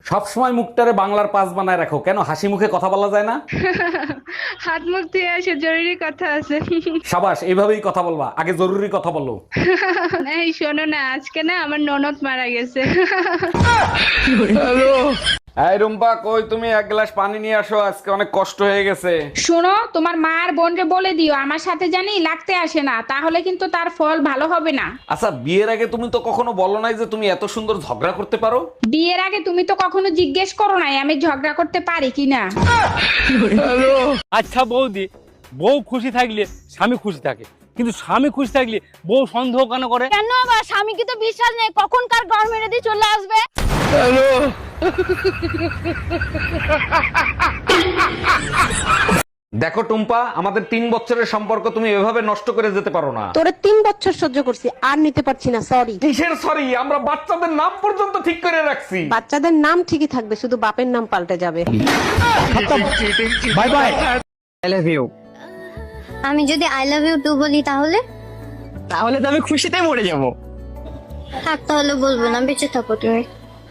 সবসময় মুখটারে বাংলার পাস বানায় রাখো কেন, হাসি মুখে কথা বলা যায় না? হাত মুখ ধুয়ে আসে, জরুরি কথা আছে। সাবাস, এইভাবেই কথা বলবা, আগে জরুরি কথা বলো। এই শোনো না, আজকে না আমার ননদ মারা গেছে। এই রুম্পা, কই তুমি? এক গ্লাস পানি নিয়ে আসো, আজকে অনেক কষ্ট হয়ে গেছে। শোনো, তোমার মা আর বোনকে বলে দিও আমার সাথে জানি লাগতে আসে না, তাহলে কিন্তু তার ফল ভালো হবে না। আচ্ছা, বিয়ের আগে তুমি তো কখনো বলো নাই যে তুমি এত সুন্দর ঝগড়া করতে পারো। বিয়ের আগে তুমি তো কখনো জিজ্ঞেস করো নাই আমি ঝগড়া করতে পারি কিনা। আচ্ছা বৌদি, বউ খুশি থাকলে স্বামী খুশি থাকে, কিন্তু স্বামী খুশি থাকলে বউ সন্দেহ কেন করে? কেন আবার? স্বামী কি তো বিশ্বাস নেই কখন কার ঘর মেরে দিয়ে চলে আসবে? দেখো টুম্পা, আমাদের 3 বছরের সম্পর্ক তুমি এভাবে নষ্ট করে যেতে পারো না। তোরে 3 বছর সহ্য করছি, আর নিতে পারছি না, সরি। কিসের সরি? আমরা বাচ্চাদের নাম পর্যন্ত ঠিক করে রাখছি। বাচ্চাদের নাম ঠিকই থাকবে, শুধু বাপের নাম পাল্টে যাবে। Bye bye. আমি যদি আই লাভ ইউ টু বলি তাহলে? তাহলে তো আমি খুশিতে মরে যাবো। থাক, তাহলে বলবো না, বেঁচে থাকো তুমি।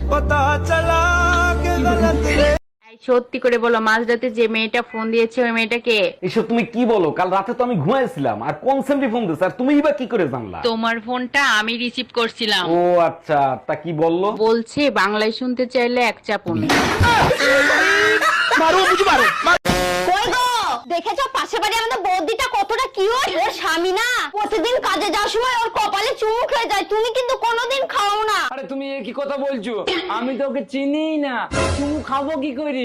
সত্যি করে বলো, মাঝরাতে যে মেয়েটা ফোন দিয়েছে ওই মেয়েটাকে? এসব তুমি কি বলো? কাল রাতে তো আমি ঘুমাইছিলাম, আর কোন সেমটি ফোন দিছে, আর তুমিই বা কি করে জানলা? তোমার ফোনটা আমি রিসিভ করছিলাম। ও আচ্ছা, তা কি বললো? বলছে বাংলায় শুনতে চাইলে এক চাপুন। কই গো, দেখেছো পাশে বাড়ি আমাদের বৌদিটা কতটা কিউট? ওর স্বামী না প্রতিদিন কাজে যাওয়ার সময় ওর কপালে চুমু খেয়ে যায়, তুমি কিন্তু কোনোদিন খাও না। আরে তুমি এ কি কথা বলছো? আমি তো ওকে চিনিই না, চুমু খাবো কি করে?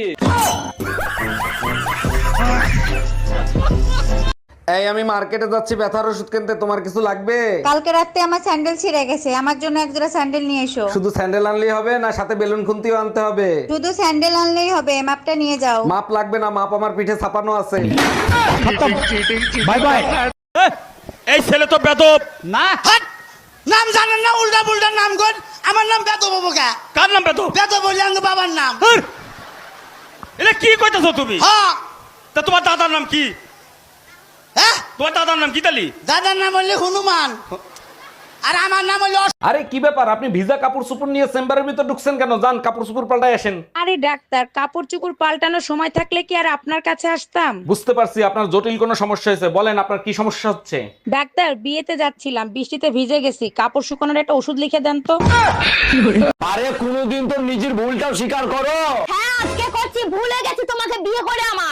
এই আমি মার্কেটে যাচ্ছি ব্যথার ওষুধ কিনতে, তোমার কিছু লাগবে? কালকে রাতে আমার স্যান্ডেল ছিঁড়ে গেছে, আমার জন্য এক জোড়া স্যান্ডেল নিয়ে এসো। শুধু স্যান্ডেল আনলেই হবে না, সাথে বেলুন খুন্তিও আনতে হবে? শুধু স্যান্ডেল আনলেই হবে, মাপটা নিয়ে যাও। মাপ লাগবে না, মাপ আমার পিঠে ছাপানো আছে। Bye bye. এই ছেলে তো বেদব। না, নাম জানেন না? উল্টা পুল্টা নাম কর। আমার নাম বেদব বাবুকা। কার নাম বেদব? বেদব বললে আমার বাবার নাম। এটা কি কইতাছো তুমি? হ্যাঁ। তা তোমার দাদার নাম কি? হ্যাঁ, তোমার দাদার নাম কি তালি? দাদার নাম হলে হনুমান, আর আমার নাম হলো আরে কি ব্যাপার, আপনি ভিজা কাপড় চোপড় নিয়ে চেম্বারের ভিতর ঢুকছেন কেন? যান কাপড় চোপড় পাল্টাই আসেন। আরে ডাক্তার, কাপড় চোপড় পাল্টানোর সময় থাকলে কি আর আপনার কাছে আসতাম? বুঝতে পারছি আপনার জটিল কোনো সমস্যা হয়েছে, বলেন আপনার কি সমস্যা হচ্ছে? ডাক্তার, বিয়েতে যাচ্ছিলাম, বৃষ্টিতে ভিজে গেছি, কাপড় শুকানোর একটা ওষুধ লিখে দেন তো। আরে কোনোদিন তো নিজের ভুলটাও স্বীকার করো। হ্যাঁ, আজকে করছি, ভুলে গেছি তোমাকে বিয়ে করে আমার।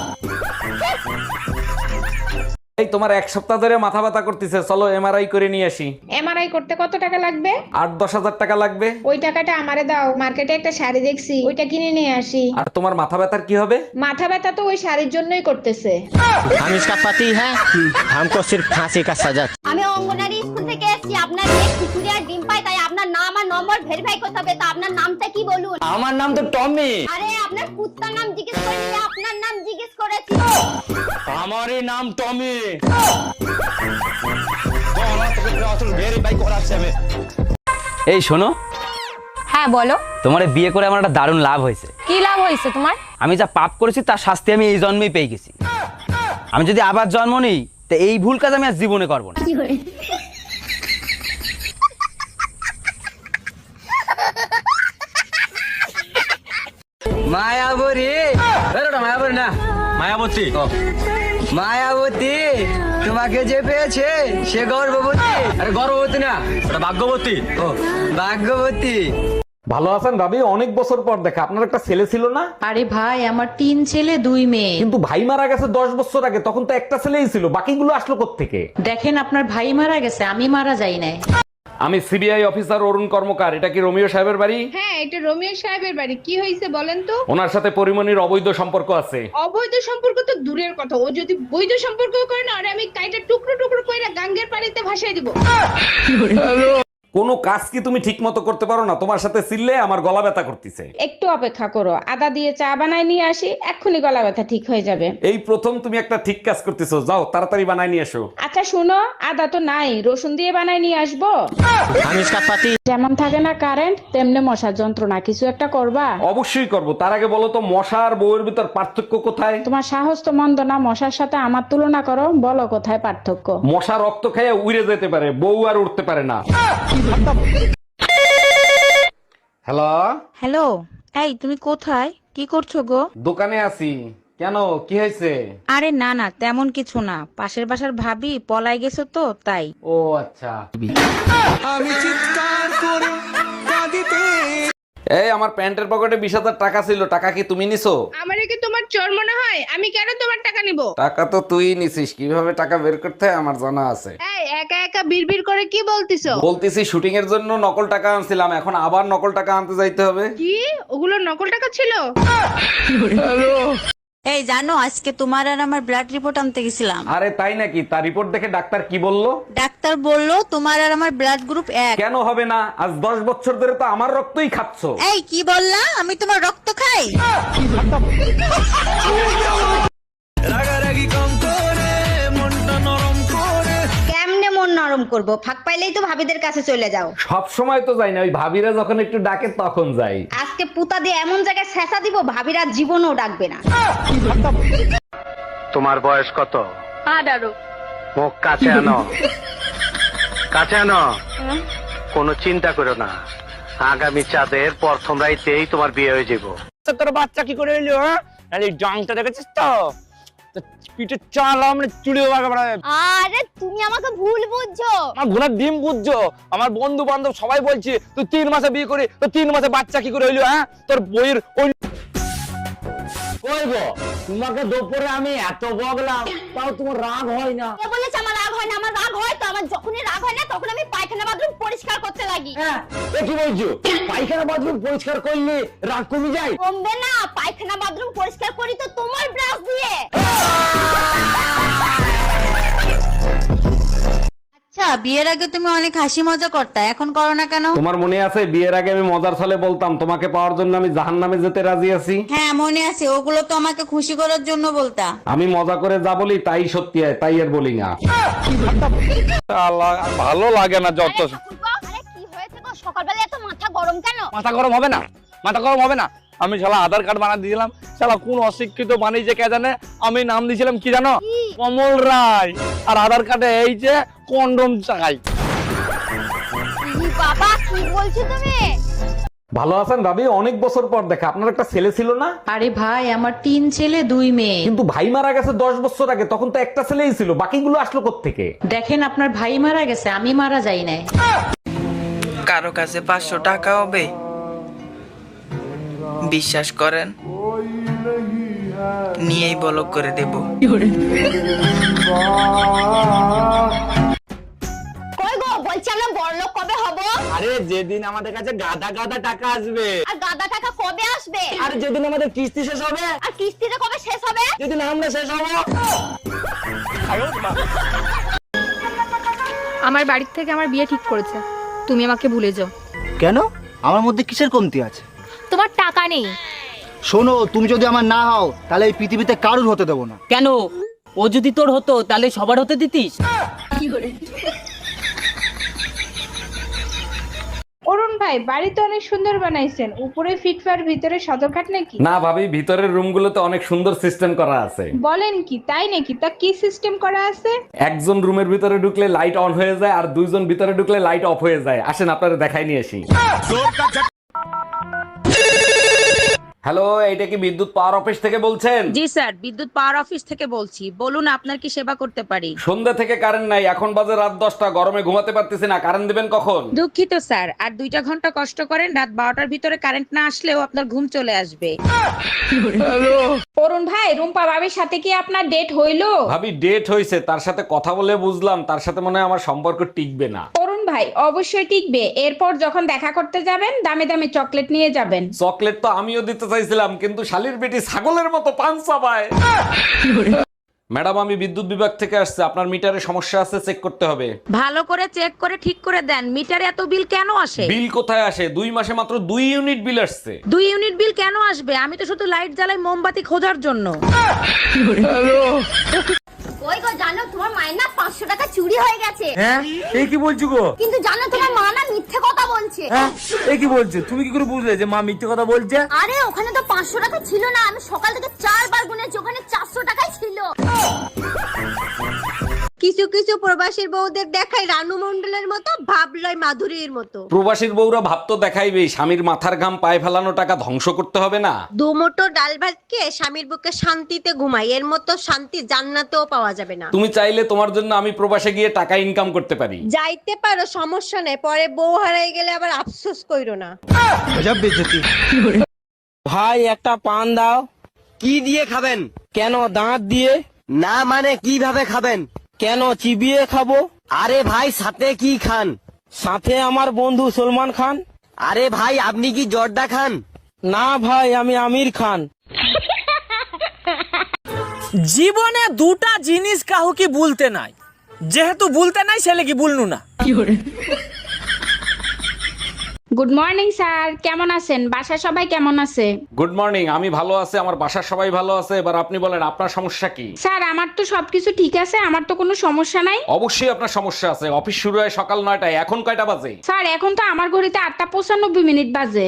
এই তোমার 1 সপ্তাহ ধরে মাথা ব্যথা করতেছে, চলো এমআরআই করে নিয়ে আসি। এমআরআই করতে কত টাকা লাগবে? 8-10 হাজার টাকা লাগবে। ওই টাকাটা আমারে দাও, মার্কেটে একটা শাড়ি দেখছি, ওইটা কিনে নিয়ে আসি। আর তোমার মাথা ব্যথার কি হবে? মাথা ব্যথা তো ওই শাড়ির জন্যই করতেছে। हम इसका पति है, हमको सिर्फ फांसी का सजा। আমি অঙ্গনারী স্কুল থেকে এসেছি, আপনার মেয়ে খিচুড়ি আর ডিম পায়, তাই আপনার নাম আর নম্বর ভেরিফাই করতে হবে। তো আপনার নামটা কি বলুন? আমার নাম তো টমি। আরে আপনার কুত্তার নাম জিজ্ঞেস করিনি, আপনার নাম জিজ্ঞেস করেছি। আমারই নাম টমি। এই শোনো, হ্যাঁ বলো। তোমার বিয়ে করে আমার একটা দারুণ লাভ হয়েছে। কি লাভ হয়েছে তোমার? আমি যা পাপ করেছি তার শাস্তি আমি এই জন্মেই পেয়ে গেছি। আমি যদি আবার জন্ম নিই তো এই ভুল কাজ আমি আর জীবনে করবো না। মায়াবতী, মায়াবতী না, মায়াবতী। মায়াবতী তোমাকে যে পেয়েছে সে গর্ভবতী। আরে গর্ভবতী না, ওটা ভাগ্যবতী। ও ভাগ্যবতী। ভালো আছেন ভাবি? অনেক বছর পর দেখা। আপনার একটা ছেলে ছিল না? আরে ভাই, আমার 3 ছেলে 2 মেয়ে। কিন্তু ভাই মারা গেছে 10 বছর আগে, তখন তো একটা ছেলেই ছিল, বাকিগুলো আসলো কোত্থেকে? দেখেন, আপনার ভাই মারা গেছে, আমি মারা যাই নাই। আমি সিবিআই অফিসার অরুণ কর্মকার। এটা কি রোমিও সাহেবের বাড়ি? হ্যাঁ, এটা রোমিও সাহেবের বাড়ি। কি হয়েছে বলেন তো? ওনার সাথে পরিমণির অবৈধ সম্পর্ক আছে। অবৈধ সম্পর্ক তো দূরের কথা, ও যদি বৈধ সম্পর্ক করে না, আর আমি কাইটা টুকরো টুকরো করে গাঙ্গের পানিতে ভাসাই দিব। কোনো কাজ কি তুমি ঠিক মতো করতে পারো না? তোমার সাথে চিল্লে আমার গলা ব্যথা করতেছে। একটু অপেক্ষা করো, আদা দিয়ে চা বানায় নিয়ে আসি, এক্ষুনি গলা ব্যথা ঠিক হয়ে যাবে। এই প্রথম তুমি একটা ঠিক কাজ করতেছো, যাও তাড়াতাড়ি বানাই নিয়ে এসো। আচ্ছা শুনো, আদা তো নাই, রসুন দিয়ে বানায় নিয়ে আসবো। हम इसका पति। যেমন থাকে না কারেন্ট, তেমনি মশার যন্ত্রণা, কিছু একটা করবা। অবশ্যই করব। তার আগে বলো তো, মশা আর বউয়ের ভিতর পার্থক্য কোথায়? তোমার সাহস তো মন্দ না, মশার সাথে আমার তুলনা করো, বলো কোথায় পার্থক্য। মশা রক্ত খেয়ে উড়ে যেতে পারে, বউ আর উঠতে পারে না। হ্যালো। হ্যালো, এই তুমি কোথায়, কি করছো গো? দোকানে আছি। কেন, কি হয়েছে? আরে না না, তেমন কিছু না, পাশের বাসার ভাবি পলাই গেছো তো তাই। ও আচ্ছা। এই আমার প্যান্টের পকেটে 20,000 টাকা ছিল, টাকা কি তুমি নিছো? আমারে কি তোমার চোর মনে হয়? আমি কেন তোমার টাকা নিব? টাকা তো তুই নিছিস, কিভাবে টাকা বের করতে হয় আমার জানা আছে। এই একা একা বিড়বিড় করে কি বলতিছো? বলতেছি শুটিং এর জন্য নকল টাকা আনছিলাম, এখন আবার নকল টাকা আনতে যাইতে হবে। কি ওগুলো নকল টাকা ছিল? এই জানো আজকে তোমার আর আমার ব্লাড রিপোর্ট আনতে গেছিলাম। আরে তাই নাকি? তার রিপোর্ট দেখে ডাক্তার কি বললো? ডাক্তার বললো তোমার আর আমার ব্লাড গ্রুপ 1। কেন হবে না? আজ 10 বছর ধরে তো আমার রক্তই খাচ্ছো। এই কি বললা? আমি তোমার রক্ত খাই? কেমনে মন নরম করব? ফাঁক পাইলেই তো ভাবিদের কাছে চলে যাও। সব সময় তো যাই না, ওই ভাবিরা যখন একটু ডাকে তখন যাই। আজকে পুতা দিয়ে এমন জায়গায় ছেঁচা দিব ভাবিরা জীবনও ডাকবে না। তোমার বয়স কত? 18। মুখ কাছে আনো, কাছে আনো। কোনো চিন্তা করো না, আগামী চাঁদের প্রথম রাইতেই তোমার বিয়ে হয়ে যাবো। তোর বাচ্চা কি করে এলো? হ্যাঁ, আরে জাংটা দেখেছিস তো? তো পিঠে চাল আমরা চুড়ি আরে তুমি আমাকে ভুল বুঝছো। আমার ঘোড়ার ডিম বুঝছো? আমার বন্ধু বান্ধব সবাই বলছে তুই 3 মাসে বিয়ে করে, তো 3 মাসে বাচ্চা কি করে হইলো? হ্যাঁ, তোর বইয়ের কইবো তোমাকে দুপুরে আমি এত বকলাম, তাও তোমার রাগ হয় না? কে বলেছে আমার রাগ হয় না? আমার রাগ হয় তো। আমার যখনই রাগ হয় না তখন আমি পায়খানা বাথরুম পরিষ্কার করতে লাগি। হ্যাঁ, এ কি বলছো? পায়খানা বাথরুম পরিষ্কার করলে রাগ কমে যায়? কমবে না, পায়খানা বাথরুম পরিষ্কার করি তো তোমার ব্রাশ দিয়ে। আচ্ছা বিয়ের আগে তুমি অনেক হাসি মজা করতে, এখন করো না কেন? তোমার মনে আছে বিয়ের আগে আমি মজার ছলে বলতাম তোমাকে পাওয়ার জন্য আমি জাহান্নামে যেতে রাজি আছি? হ্যাঁ মনে আছে, ওগুলো তো আমাকে খুশি করার জন্য বলতা। আমি মজা করে যা বলি তাই সত্যি হয়, তাই আর বলি না। ভালো লাগে না যত। আরে কি হয়েছে গো? সকালবেলা এত মাথা গরম কেন? মাথা গরম হবে না, মাথা গরম হবে না। আমি শালা আধার কার্ড বানিয়ে দিয়েছিলাম, শালা কোন অশিক্ষিত বানিয়েছে কে জানে। আমি নাম দিয়েছিলাম কি জানো? কমল রায়। আর আধার কার্ডে এই যে কন্ডম চাই। বাবা কি বলছো তুমি? ভালো আছেন ভাবি? অনেক বছর পর দেখা। আপনার একটা ছেলে ছিল না? আরে ভাই, আমার 3 ছেলে 2 মেয়ে। কিন্তু ভাই মারা গেছে 10 বছর আগে, তখন তো একটা ছেলেই ছিল, বাকিগুলো আসলো কোত্থেকে? দেখেন আপনার ভাই মারা গেছে, আমি মারা যাই নাই। কারো কাছে 500 টাকা হবে? বিশ্বাস করেন, নিয়েই ব্লক করে দেব। কই গো, বলছি আমরা বড়লোক কবে হব? আরে যেদিন আমাদের কাছে গাদা গাদা টাকা আসবে। আর গাদা টাকা কবে আসবে? আর যেদিন আমাদের কিস্তি শেষ হবে। আর কিস্তিটা কবে শেষ হবে? যেদিন আমরা শেষ হবো। আমার বাড়ির থেকে আমার বিয়ে ঠিক করেছে, তুমি আমাকে ভুলে যাও। কেন? আমার মধ্যে কিসের কমতি আছে? তোমার টাকা নেই। শোনো, তুমি যদি আমার না হও তাহলে এই পৃথিবীতে কারুর হতে দেবো না। কেন? ও যদি তোর হতো তাহলে সবার হতে দিতিস? অরুণ ভাই, বাড়ি তো অনেক সুন্দর বানাইছেন, উপরে ফিটফার ভিতরে সদরঘাট নাকি? না ভাবি, ভিতরের রুমগুলোতে অনেক সুন্দর সিস্টেম করা আছে। বলেন কি, তাই নাকি? তা কি সিস্টেম করা আছে? একজন রুমের ভিতরে ঢুকলে লাইট অন হয়ে যায়, আর 2 জন ভিতরে ঢুকলে লাইট অফ হয়ে যায়। আসেন আপনারা দেখাই নিয়ে আসি। হ্যালো, এইটা কি বিদ্যুৎ পাওয়ার অফিস থেকে বলছেন? জি স্যার, বিদ্যুৎ পাওয়ার অফিস থেকে বলছি। বলুন আপনার কি সেবা করতে পারি? সন্ধ্যা থেকে কারেন্ট নাই, এখন বাজে রাত 10টা, গরমে ঘুমাতে পারতেছি না, কারেন্ট দিবেন কখন? দুঃখিত স্যার, আর 2টা ঘন্টা কষ্ট করেন, রাত 12টার ভিতরে কারেন্ট না আসলেও আপনার ঘুম চলে আসবে। অরুণ ভাই, রুম্পা ভাবির সাথে কি আপনার ডেট হইলো? ভাবি ডেট হইছে, তার সাথে কথা বলে বুঝলাম তার সাথে মনে হয় আমার সম্পর্ক টিকবে না। অরুণ ভাই, অবশ্যই টিকবে। এরপর যখন দেখা করতে যাবেন দামে দামে চকলেট নিয়ে যাবেন। চকলেট তো আমিও দিতে চাইছিলাম, কিন্তু শালির বেটি ছাগলের মতো পান চাবায়। ম্যাডাম, আমি বিদ্যুৎ বিভাগ থেকে আসছে, আপনার মিটারে সমস্যা আছে, চেক করতে হবে। ভালো করে চেক করে ঠিক করে দেন। মিটারে এত বিল কেন আসে? বিল কোথায় আসে? 2 মাসে মাত্র 2 ইউনিট বিল আসছে। 2 ইউনিট বিল কেন আসবে? আমি তো শুধু লাইট জ্বালাই মোমবাতি খোঁজার জন্য। কই গো, জানো তোমার মায়ের না 500 টাকা চুরি হয়ে গেছে। হ্যাঁ, এই কি বলছো গো? কিন্তু জানো তোমার মা না মিথ্যে কথা বলছে। হ্যাঁ, এই কি বলছো? তুমি কি করে বুঝলে যে মা মিথ্যে কথা বলছে? আরে ওখানে তো 500 টাকা ছিল না, আমি সকাল থেকে 4 বার গুনেছি, ওখানে 400 টাকাই ছিল। কিছু কিছু প্রবাসীর বউদের দেখায় রানু মণ্ডলের মতো, ভাবলয় মাধুরীর মতো। প্রবাসীর বউরা ভাবতো দেখাইবেই, স্বামীর মাথার ঘাম পায়ে ফেলানো টাকা ধ্বংস করতে হবে না। দুমুঠো ডাল ভাত খেয়ে স্বামীর বুকে শান্তিতে ঘুমাই, এর মতো শান্তি জান্নাতেও পাওয়া যাবে না। তুমি চাইলে তোমার জন্য আমি প্রবাসে গিয়ে টাকা ইনকাম করতে পারি। যাইতে পারো, সমস্যা নেই, পরে বউ হারাই গেলে আবার আফসোস কইরো না। ভাই একটা পান দাও। কি দিয়ে খাবেন? কেন দাঁত দিয়ে? না মানে কিভাবে খাবেন? কেন চিবিয়ে খাবো? আরে ভাই সাথে কি খান? সাথে আমার বন্ধু সলমান খান। আরে ভাই আপনি কি জর্দা খান? না ভাই আমি আমির খান। জীবনে দুটা জিনিস কাউকে বলতে নাই, যেহেতু বলতে নাই ছেলে কি বলনু না। গুড মর্নিং স্যার, কেমন আছেন? বাসায় সবাই কেমন আছে? গুড মর্নিং, আমি ভালো আছি, আমার বাসার সবাই ভালো আছে। এবার আপনি বলেন আপনার সমস্যা কি? স্যার আমার তো সবকিছু ঠিক আছে, আমার তো কোনো সমস্যা নাই। অবশ্যই আপনার সমস্যা আছে। অফিস শুরু হয় সকাল 9টায়, এখন কয়টা বাজে? স্যার এখন তো আমার ঘড়িতে 8:95 বাজে।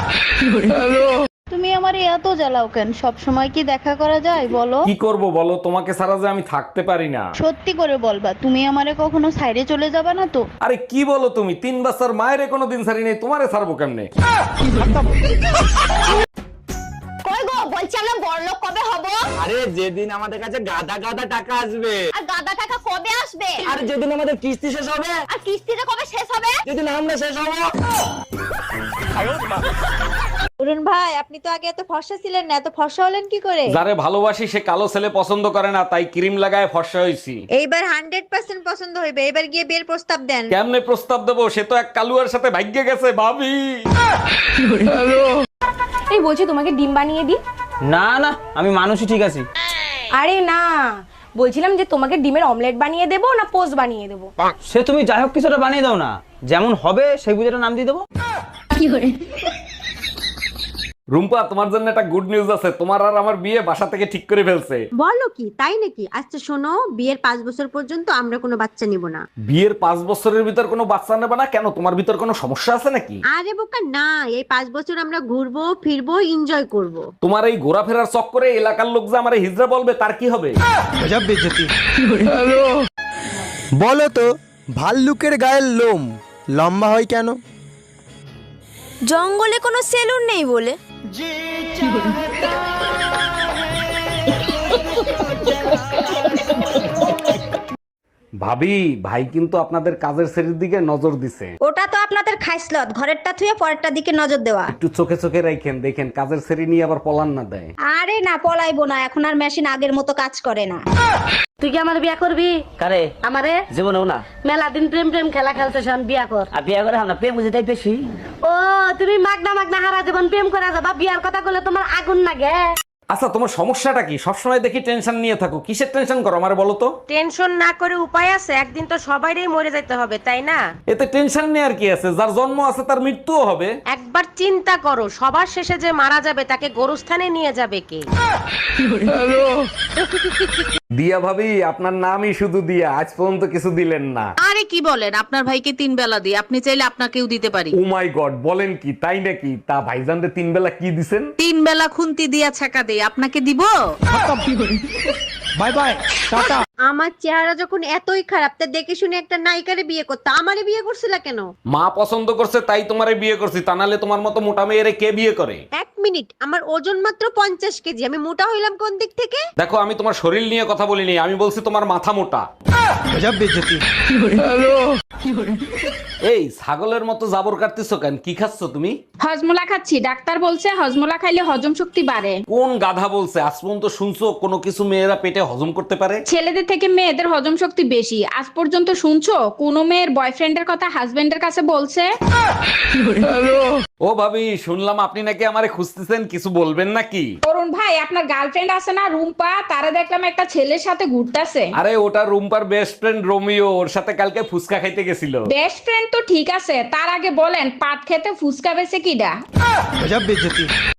তুমি আমারে এত জ্বালাও কেন? সব সময় কি দেখা করা যায় বলো? কি করব বলো, তোমাকে ছাড়া যে আমি থাকতে পারি না। সত্যি করে বলবা, তুমি আমারে কখনো সাইডে চলে যাবা না তো? আরে কি বলো তুমি, 3 বছর মায়ের কোনো দিন ছাড়ি নেই, তোমারে ছাড়বো কেমনে? কই গো, বলছি আমরা বড়লোক কবে হব? আরে যেদিন আমাদের কাছে গাদা গাদা টাকা আসবে। আর গাদা টাকা কবে আসবে? আর যেদিন আমাদের কিস্তি শেষ হবে। আর কিস্তিটা কবে শেষ হবে? যেদিন আমরা শেষ হবো। অরুণ ভাই, আপনি তো আগে এত ফর্সা ছিলেন না, এত ফর্সা হলেন কি করে? যারে ভালোবাসি সে কালো ছেলে পছন্দ করে না, তাই ক্রিম লাগায় ফর্সা হইছি। এইবার 100% পছন্দ হইবে, এবার গিয়ে বিয়ের প্রস্তাব দেন। কেমনে প্রস্তাব দেবো? সে তো এক কালুয়ার সাথে ভাগ্যে গেছে ভাবি। এই বলছি তোমাকে ডিম বানিয়ে দিই? না না আমি মানুষই ঠিক আছি। আরে না, বলছিলাম যে তোমাকে ডিমের অমলেট বানিয়ে দেবো না পোস্ট বানিয়ে দেবো? সে তুমি যাই হোক কিছুটা বানিয়ে দাও না, যেমন হবে সেই বুঝে নাম দিয়ে দেবো। রুম্পা, তোমার জন্য একটা গুড নিউজ আছে। তোমার আর আমার বিয়ে বাসা থেকে ঠিক করে ফেলছে। বলো কি, তাই নাকি? আচ্ছা শোনো, বিয়ের 5 বছর পর্যন্ত আমরা কোনো বাচ্চা নিব না। বিয়ের 5 বছরের ভিতর কোনো বাচ্চা নেবে না কেন? তোমার ভিতর কোনো সমস্যা আছে নাকি? আরে বোকা না, এই 5 বছর আমরা ঘুরবো ফিরবো, এনজয় করব। তোমার এই ঘোরাফেরার চক্করে এলাকার লোক যে আমারে হিজড়া বলবে, তার কি হবে? বলো তো, ভাল্লুকের গায়ের লোম লম্বা হয় কেন? জঙ্গলে কোনো সেলুন নেই বলে। ভাবি, ভাই কিন্তু আপনাদের কাজের শ্রেণীর দিকে নজর দিছে। ওটা তো আপনাদের খাইসলত, ঘরেরটা থুয়ে পরেরটা দিকে নজর দেওয়া। একটু চোখে চোখে রাখেন, দেখেন কাজের শ্রেণী নিয়ে আবার পলান না দেয়। আরে না পলাইবো না, এখন আর মেশিন আগের মতো কাজ করে না। তুই কি আমার বিয়া করবি? কারে? আমারে? জীবনেও না। মেলা দিন প্রেম প্রেম খেলা খেলতেছ, বিয়া কর। আর বিয়া করে আমরা প্রেম বুঝেটাই বেশি। ও তুমি মাগনা মাগনা হারা জীবন প্রেম করে যাবা, বিয়ার কথা বলে তোমার আগুন লাগে। আচ্ছা তোমার সমস্যাটা কি? সবসময় দেখি টেনশন নিয়ে থাকো, কিসের টেনশন করো আমারে বলো তো? টেনশন না করে উপায় আছে, একদিন তো সবাইরই মরে যেতে হবে, তাই না? এতে টেনশন নিয়ে আর কি আছে? যার জন্ম আছে তার মৃত্যুও হবে। একবার চিন্তা করো, সবার শেষে যে মারা যাবে তাকে গোরস্থানে নিয়ে যাবে কে? দিয়া ভাবি, আপনার নামই শুধু দিয়া, আজ পর্যন্ত কিছু দিলেন না। আরে কি বলেন, আপনার ভাইকে 3 বেলা দিই, আপনি চাইলে আপনাকেও দিতে পারি। ও মাই গড, বলেন কি? তাই নাকি? তা ভাইজানরে 3 বেলা কি দিছেন? 3 বেলা খুন্তি দিয়া ছাকা দেই, আপনাকে দিব? Bye bye, tata. আমার চেহারা যখন এতই খারাপ, তা দেখে শুনে একটা নায়িকারে বিয়ে করতে, আমারে বিয়ে করছিলা কেন? মা পছন্দ করছে তাই তোমারে বিয়ে করছি, তা নাহলে তোমার মতো মোটা মেয়েরে কে বিয়ে করে? 1 মিনিট, আমার ওজন মাত্র 50 কেজি, আমি মোটা হইলাম কোন দিক থেকে? দেখো, আমি তোমার শরীর নিয়ে কথা বলিনি, আমি বলছি তোমার মাথা মোটা। এই ছাগলের মতো জাবর কাটতেছো কেন? কি খাচ্ছ তুমি? হজমোলা খাচ্ছি, ডাক্তার বলছে হজমোলা খাইলে হজম শক্তি বাড়ে। কোন গাধা বলছে? আজ পর্যন্ত শুনছো কোনো কিছু মেয়েরা পেটে হজম করতে পারে? ছেলেদের থেকে মেয়েদের হজম শক্তি বেশি। আজ পর্যন্ত শুনছো কোন মেয়ের বয়ফ্রেন্ডের কথা হাজবেন্ডের কাছে বলছে? ও ভাবি, শুনলাম আপনি নাকি আমারে খুঁজতেছেন, কিছু বলবেন নাকি? অরুণ ভাই, আপনার গার্লফ্রেন্ড আছে না রুম্পা, তারা দেখলাম একটা ছেলের সাথে ঘুরতেছে। আরে ওটা রুম্পার বেস্ট ফ্রেন্ড রোমিও, ওর সাথে কালকে ফুচকা খাইতে গেছিল। বেস্ট ফ্রেন্ড তো ঠিক আছে, তার আগে বলেন পাট খেতে ফুচকা বেছে কিডা?